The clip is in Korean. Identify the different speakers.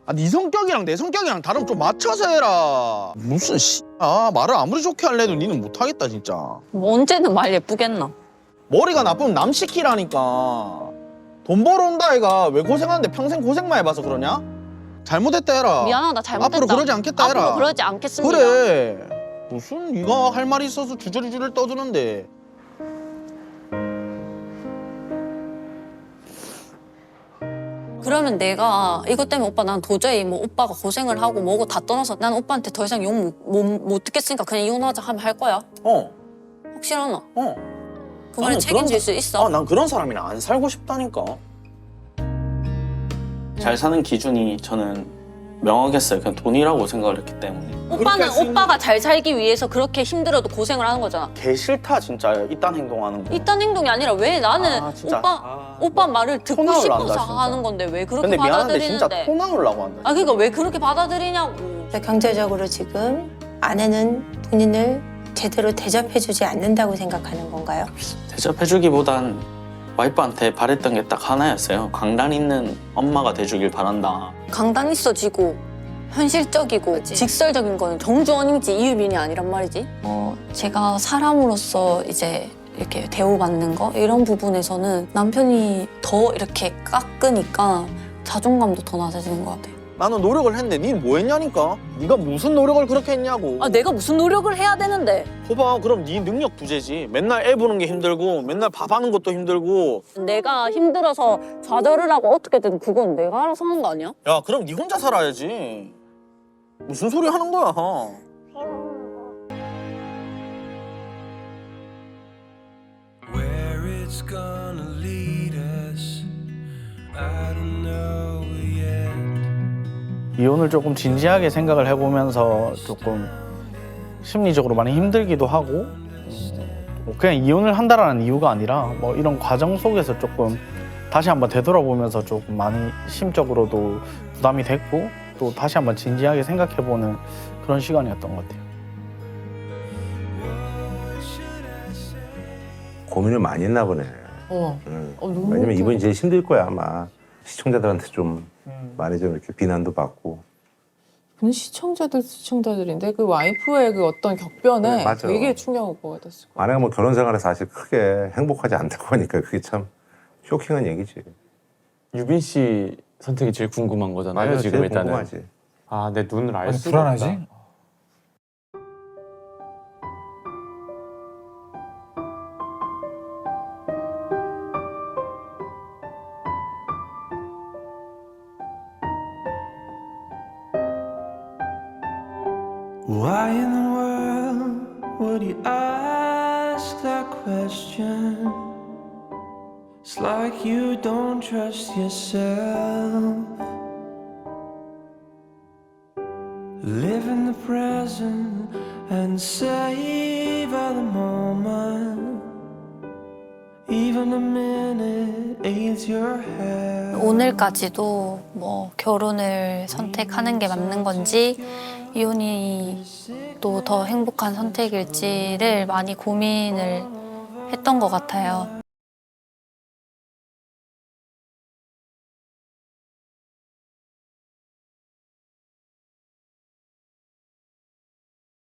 Speaker 1: 아, 네 성격이랑 내 성격이랑 다름 좀 맞춰서 해라. 무슨 말을 아무리 좋게 할래도 니는 못하겠다 진짜.
Speaker 2: 뭐 언제는 말 예쁘겠나?
Speaker 1: 머리가 나쁘면 남 시키라니까. 돈 벌어온다 아이가. 왜 고생하는데 평생 고생만 해봐서 그러냐? 잘못했다 해라.
Speaker 2: 미안하다, 잘못했다.
Speaker 1: 앞으로 그러지 않겠다 해라.
Speaker 2: 앞으로 그러지 않겠습니다.
Speaker 1: 그래. 무슨 네가 할 말이 있어서 주저리주저리 떠드는데.
Speaker 2: 그러면 내가 이것 때문에 오빠 난 도저히 뭐 오빠가 고생을 하고 뭐고 다 떠나서 난 오빠한테 더 이상 욕 못 듣겠으니까 그냥 이혼하자 하면 할 거야? 확실하나? 그 말에 책임질 수 있어?
Speaker 1: 난 그런 사람이랑 안 살고 싶다니까.
Speaker 3: 잘 사는 기준이 저는 명확했어요. 그냥 돈이라고 생각을 했기 때문에.
Speaker 2: 오빠는 오빠가 잘 살기 위해서 그렇게 힘들어도 고생을 하는 거잖아.
Speaker 1: 개 싫다 진짜 이딴 행동하는 거.
Speaker 2: 이딴 행동이 아니라 왜 나는
Speaker 1: 진짜.
Speaker 2: 오빠 말을 듣고
Speaker 1: 토
Speaker 2: 싶어서
Speaker 1: 나올란다, 진짜.
Speaker 2: 하는 건데 왜 그렇게
Speaker 1: 근데 미안한데
Speaker 2: 받아들이는데?
Speaker 1: 진짜 토 나오려고 한다.
Speaker 2: 아 그러니까 왜 그렇게 받아들이냐고.
Speaker 4: 경제적으로 지금 아내는 본인을 제대로 대접해주지 않는다고 생각하는 건가요?
Speaker 3: 대접해주기보단 와이프한테 바랬던 게 딱 하나였어요. 강단 있는 엄마가 돼주길 바란다.
Speaker 2: 강단 있어지고 현실적이고
Speaker 4: 그치.
Speaker 2: 직설적인 거는 정주원이지 이유빈이 아니란 말이지. 제가 사람으로서 이제 이렇게 대우받는 거 이런 부분에서는 남편이 더 이렇게 깎으니까 자존감도 더 낮아지는 것 같아요.
Speaker 1: 나는 노력을 했는데 니는 뭐 했냐니까? 네가 무슨 노력을 그렇게 했냐고.
Speaker 2: 아 내가 무슨 노력을 해야 되는데.
Speaker 1: 봐봐 그럼 네 능력 부재지. 맨날 애 보는 게 힘들고 맨날 밥하는 것도 힘들고.
Speaker 2: 내가 힘들어서 좌절을 하고 어떻게든 그건 내가 알아서 하는 거 아니야?
Speaker 1: 야 그럼 네 혼자 살아야지. 무슨 소리 하는 거야.
Speaker 5: Where it's gonna lead us, I don't know yet.
Speaker 6: 이혼을 조금 진지하게 생각을 해보면서 조금 심리적으로 많이 힘들기도 하고 그냥 이혼을 한다라는 이유가 아니라 뭐 이런 과정 속에서 조금 다시 한번 되돌아보면서 조금 많이 심적으로도 부담이 됐고 또 다시 한번 진지하게 생각해보는 그런 시간이었던 것 같아요.
Speaker 7: 고민을 많이 했나 보네. 왜냐면 이번이 제일 힘들 거야 아마. 시청자들한테 좀 많이 좀 이렇게 비난도 받고.
Speaker 8: 시청자들인데 그 와이프의 그 어떤 격변에
Speaker 7: 네, 맞아.
Speaker 8: 되게 충격을 받았을 거예요.
Speaker 7: 아내가 뭐 결혼 생활에 사실 크게 행복하지 않다고 하니까 그게 참 쇼킹한 얘기지.
Speaker 9: 유빈 씨 선택이 제일 궁금한 거잖아요.
Speaker 7: 맞아,
Speaker 9: 지금
Speaker 7: 제일
Speaker 9: 일단은.
Speaker 7: 궁금하지.
Speaker 9: 아, 내 눈을 알 수가
Speaker 10: 불안하지?
Speaker 9: 없다.
Speaker 5: Why in the world would you ask that question? It's like you don't trust yourself. Live in the present and savor the moment. Even a minute aids your health.
Speaker 2: 오늘까지도 뭐 결혼을 선택하는 게 맞는 건지 이혼이 또 더 행복한 선택일지를 많이 고민을 했던 것 같아요.